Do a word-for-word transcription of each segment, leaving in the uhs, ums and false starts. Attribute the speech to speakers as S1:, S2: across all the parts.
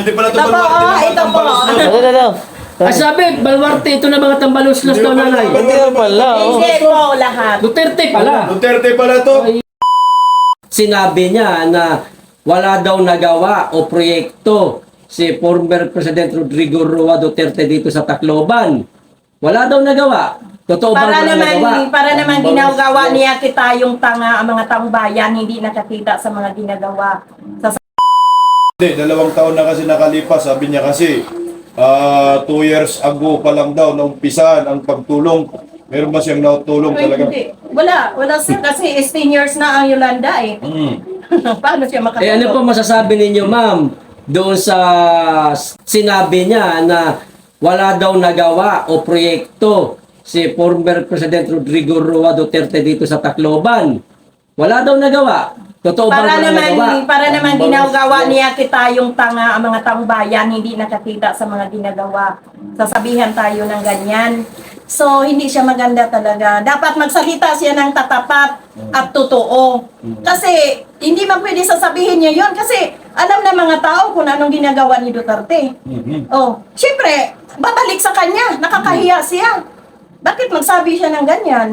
S1: hindi pala ito
S2: Ito po,
S1: baluarte
S2: ah,
S1: ng mga
S2: ito po.
S1: tambalos.
S3: Ito, ito, ito.
S4: Ay sabi, balwarte ito na mga tambaluslos daw nanay.
S3: Hindi na pala, oh.
S2: Hindi po lahat.
S4: Duterte pala.
S1: Duterte pala to.
S5: Sinabi niya na wala daw nagawa o proyekto si former President Rodrigo Roa Duterte dito sa Tacloban. Wala daw nagawa. Totoo ba
S2: Para
S5: wala
S2: naman,
S5: nagawa?
S2: para naman ginagawa niya kita yung tanga, ang mga taong bayan, hindi nakakita sa mga ginagawa. Sa
S1: Hindi, dalawang taon na kasi nakalipas. Sabi niya kasi, ah, two years ago pa lang daw naumpisan ang pagtulong. Meron ba siyang natulong
S2: Ay,
S1: talaga?
S2: hindi. Wala, wala sir, kasi eighteen years na ang Yolanda eh.
S1: Mm.
S2: Paano siya makatulong?
S5: Eh ano po masasabi ninyo, ma'am, doon sa sinabi niya na wala daw nagawa o proyekto si former President Rodrigo Roa Duterte dito sa Tacloban. Wala daw nagawa. Totoo ba
S2: Para
S5: wala
S2: naman,
S5: nagawa?
S2: para naman ginagawa niya kita yung tanga, ang mga taong bayan, hindi nakakita sa mga ginagawa. Sasabihan tayo ng ganyan. So, hindi siya maganda talaga. Dapat magsalita siya ng tatapat at totoo. Kasi, hindi man pwede sasabihin niya yon kasi alam na mga tao kung anong ginagawa ni Duterte.
S1: Mhm.
S2: Oh, syempre, babalik sa kanya. Nakakahiya siya. Bakit magsabi siya ng ganyan?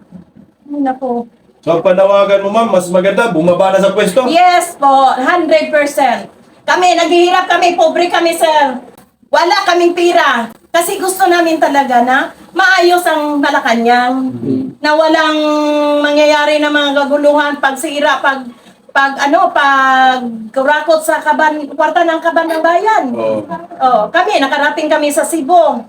S2: Ay, naku.
S1: So, ang panawagan mo ma'am, mas maganda, bumaba na sa pwesto.
S2: Yes po, one hundred percent. Kami, naghihirap kami, pobre kami, sir. Wala kaming pira. Kasi gusto namin talaga na maayos ang Malacanang. Na walang mangyayari na mga gaguluhan, pagsira, pag pag ano, pag kurakot sa kaban, kwarta ng kaban ng bayan.
S1: Oo.
S2: Oh, kami, nakarating kami sa Cebu,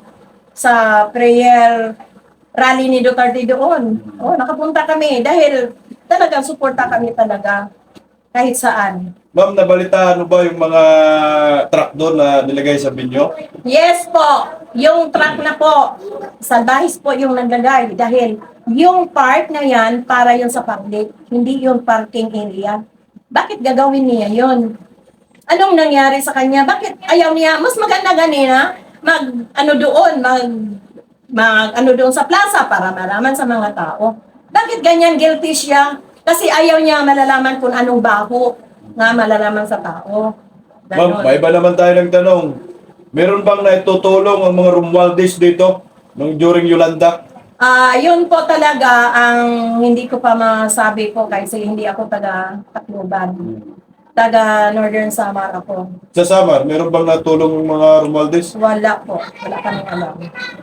S2: sa prayer rally ni Duterte doon. Oh, nakapunta kami dahil talagang suporta kami talaga kahit saan.
S1: Ma'am, nabalitaan mo ba yung mga truck doon na nilagay sa binyo?
S2: Yes po, yung truck na po, salbahis po yung naglagay dahil yung part na yan para yun sa public, hindi yung parking area. Bakit gagawin niya yun? Anong nangyari sa kanya? Bakit ayaw niya? Mas maganda ganina, mag, ano doon, mag, mag, ano doon sa plaza para malaman sa mga tao. Bakit ganyan guilty siya? Kasi ayaw niya malalaman kung anong baho nga malalaman sa tao.
S1: Ma'am,
S2: Ganon.
S1: may iba naman tayo nagtanong. Meron bang naitutulong ang mga Romualdez dito nung during Yolanda?
S2: Ah, yun po talaga ang hindi ko pa masabi po kasi hindi ako taga Tacloban. Taga Northern Samar ako.
S1: Sa Samar, meron bang natulong ang mga Romualdez?
S2: Wala po. Wala kaming alam.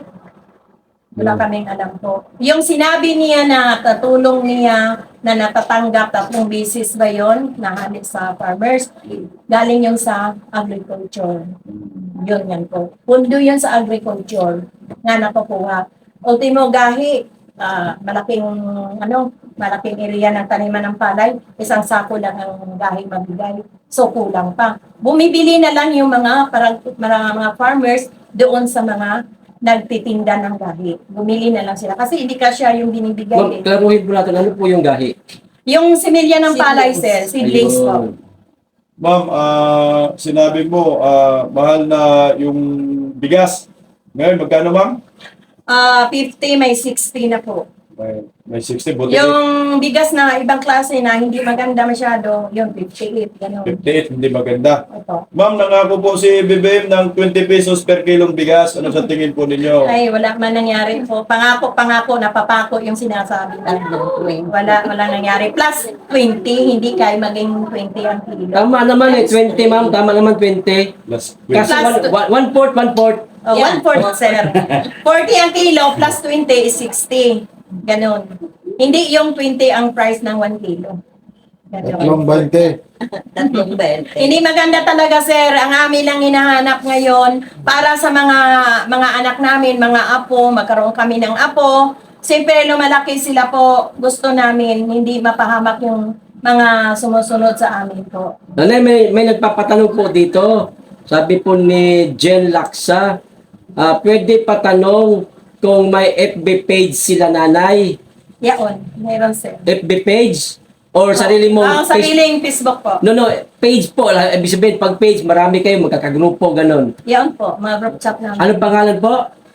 S2: Wala kaming alam po. Yung sinabi niya na tatulong niya na natatanggap tatlong bisis ba yun na halit sa farmers, galing yun sa agriculture. Yun yan po. Pundo yun sa agriculture nga nakukuha. Ultimo gahi, ah, malaking ano, malaking area ng taniman ng palay, isang sako lang ang gahi mabigay. So kulang pa. Bumibili na lang yung mga parang mga, mga farmers doon sa mga nagtitinda ng gahi. Bumili na lang sila kasi hindi kasya yung binibigay.
S5: Ma'am,
S2: Eh.
S5: klaruhin po natin, ano po yung gahi?
S2: Yung similya ng palay, sir, seedlings po.
S5: Ayun.
S1: Ma'am, ah, sinabi mo, ah, mahal na yung bigas. Ngayon, magkano ma'am?
S2: Ah, fifty, may sixty na po.
S1: May, may sixty, buti
S2: Yung bigas na ibang klase na hindi maganda masyado, yung fifty-eight, gano'n.
S1: fifty-eight, hindi maganda.
S2: Ito.
S1: Ma'am, nangako po si B B M ng twenty pesos per kilong bigas. Ano sa tingin po ninyo?
S2: Ay, wala man nangyari po. Pangako, pangako, napapako yung sinasabi natin. Wala, wala nangyari. Plus twenty, hindi kaya maging twenty ang kilo.
S5: Tama naman eh, twenty ma'am, tama naman twenty.
S1: Plus
S5: Kasi
S2: Plus-
S5: one, one, one fourth, one fourth.
S2: Oh, one fourth, sir. forty ang kilo, plus twenty is sixty. Ganon. Hindi yung twenty ang price ng one kilo. Ganon.
S6: bente.
S7: Tatlong bente.
S2: Hindi maganda talaga, sir. Ang amin lang hinahanap ngayon para sa mga mga anak namin, mga apo, magkaroon kami ng apo. Siyempre, lumalaki sila po. Gusto namin hindi mapahamak yung mga sumusunod sa amin po.
S5: Nanay, may, may nagpapatanong po dito. Sabi po ni Jen Laksa, ah, pwede patanong kung may F B page sila nanay.
S2: Yaon, mayroon, sir.
S5: F B page? Or sarili mo?
S2: Ang
S5: page-
S2: sariling Facebook po.
S5: No, no, page po. Ah, ibig sabihin, pag page, marami kayo, magkakagrupo, ganon.
S2: Yaon po, mga group chat namin.
S5: Ano pangalan po?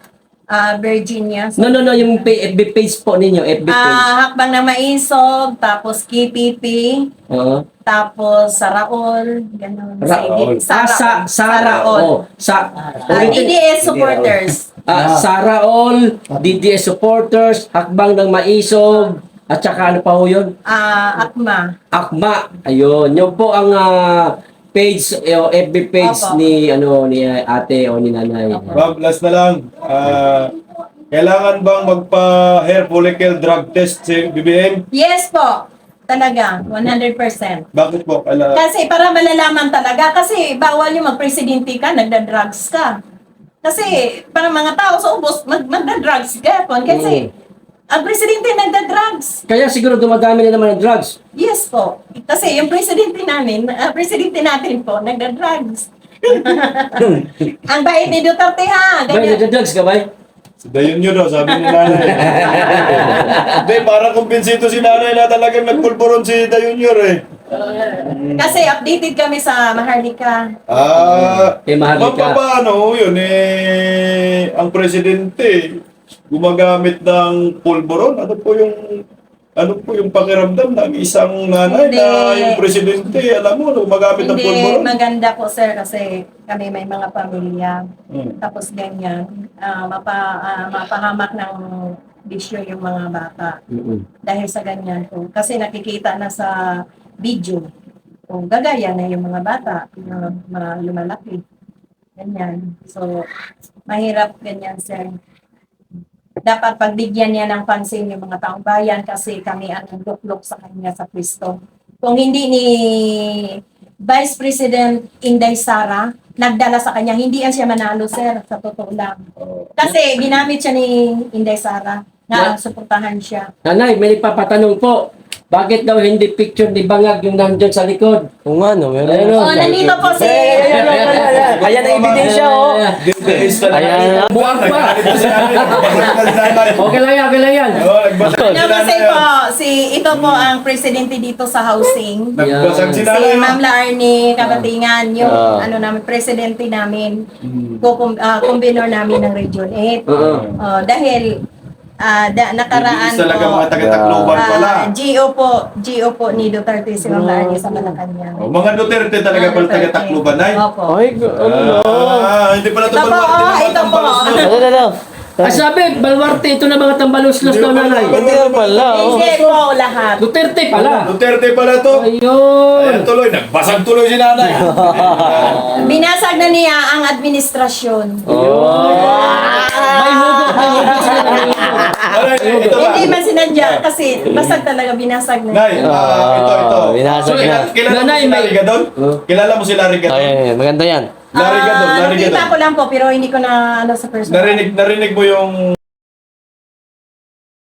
S2: ah, Virginia. So,
S5: No, no, no, yung pa- F B page po ninyo, F B page.
S2: ah, Hakbang ng Maisog, tapos K P P,
S5: Oo.
S2: tapos Saraol, ganun.
S5: Raol.
S2: Sige,
S5: Ah, sa,
S2: Saraol.
S5: Saraol. Sa,
S2: Ah, D D S supporters.
S5: ah, Saraol, D D S supporters, Hakbang ng Maisog, at saka ano pa ho yun?
S2: Ah, Akma.
S5: Akma. Ayun, yun po ang ah, page, eh, o F B page
S2: Opo.
S5: ni, ano, ni ah, ate o ni nanay.
S1: Ma'am, last na lang. Ah, kailangan bang magpa-hair follicle drug test si B B M?
S2: Yes po. Talaga, one hundred percent.
S1: Bakit po? Kailangan?
S2: Kasi para malalaman talaga, kasi bawal yung magpresidente ka, nagda-drugs ka. Kasi para mga tao sa ubos, mag magda-drugs ka. Kasi ang presidente nagda-drugs.
S5: Kaya siguro dumadami na naman ang drugs.
S2: Yes po. Kasi yung presidente namin, ah, presidente natin po, nagda-drugs. Ang bait ni Duterte ha.
S5: Ba,
S2: Ganyan.
S5: nagda-drugs ka ba?
S1: Si Dayon yun daw, sabi ni nanay. Hindi, parang kumbinsido si nanay na talagang nagpulburon si Dayon yun eh.
S2: Kasi updated kami sa Maharlika.
S1: Ah,
S5: Eh, mahal
S1: ma'am,
S5: ka.
S1: paano yun eh, ang presidente gumagamit ng pulburon? Ano po yung ano po yung pakiramdam ng isang nanay
S2: Hindi.
S1: na yung presidente, alam mo, gumagamit ng
S2: Hindi
S1: pulburon?
S2: maganda po sir kasi kami may mga pamilya.
S1: Hmm.
S2: Tapos ganyan, ah, mapa, ah, mapahamak ng bisyo yung mga bata.
S5: Mm-mm.
S2: Dahil sa ganyan po. Kasi nakikita na sa video. O gagaya na yung mga bata, yung mga lumalaki. Ganyan. So, mahirap ganyan sir. Dapat pagbigyan niya ng pansin yung mga taong bayan kasi kami ang nagduklok sa kanya sa Kristo. Kung hindi ni Vice President Inday Sara nagdala sa kanya, hindi yan siya manalo, sir, sa totoo lang. Kasi ginamit siya ni Inday Sara na suportahan siya.
S5: Nanay, may nagpapatanong po. Bakit daw hindi picture ni Bangag yung nandyan sa likod?
S3: Kung ano, meron.
S5: Ayun,
S2: Oh, nandito po si...
S3: Ayan, ayan, ayan. Ayan ang ebidensya, oh.
S1: Days talaga.
S3: Ayan.
S5: Buwag pa.
S1: Nagagalit na si nanay. Nagbasag na si nanay.
S5: Okay lang yan, okay lang yan.
S1: Oo, nagbasag na
S2: Ano
S1: si
S2: kasi
S1: nanay.
S2: po, si, ito po ang presidente dito sa housing.
S1: Nagbasag si
S2: Si
S1: nanay.
S2: Ma'am Laarni Kabatingan, yung
S3: Ah.
S2: ano namin, presidente namin, kukum, uh, kumbinor namin ng Region eight.
S5: Oo.
S2: Oh, dahil ah, da, nakaraan
S1: Hindi talaga
S2: po,
S1: mga taga-Tacloban pala.
S2: ah, G O po, G O po ni Duterte si Ma'am Laarni sa Malacanang.
S1: Oh, mga Duterte talaga pala taga-Tacloban ay.
S2: Opo.
S3: Ay, ano?
S1: Ah, hindi pala ito
S2: Ito po,
S1: Baluarte
S2: oh,
S1: ng
S2: ito po.
S1: Tambalos nyo.
S3: Ano, ano, ano?
S5: Ay sabi, Balwarte, ito na mga tambaluslos daw nanay.
S3: Hindi na pala, oh.
S2: Hindi po lahat.
S5: Duterte pala.
S1: Duterte pala to.
S5: Ayun.
S1: Ayan tuloy, nagbasag tuloy si nanay.
S2: Binasag na niya ang administrasyon.
S5: May hugot, may hugot sila. May hugot.
S1: Alright, ito ba?
S2: Hindi man sinadya kasi basag talaga binasag na.
S1: Nay, ah, ito, ito.
S3: Ah, binasag
S1: So,
S3: na.
S1: kilala mo
S5: Nanay,
S1: si
S5: may-
S1: Larry Gadon? Kilala mo si Larry Gadon?
S3: Ay, maganda yan.
S1: Larry Gadon,
S2: Ah,
S1: Larry
S2: nakita
S1: Gadon.
S2: ko lang po pero hindi ko na ano sa personal.
S1: Narinig, narinig mo yung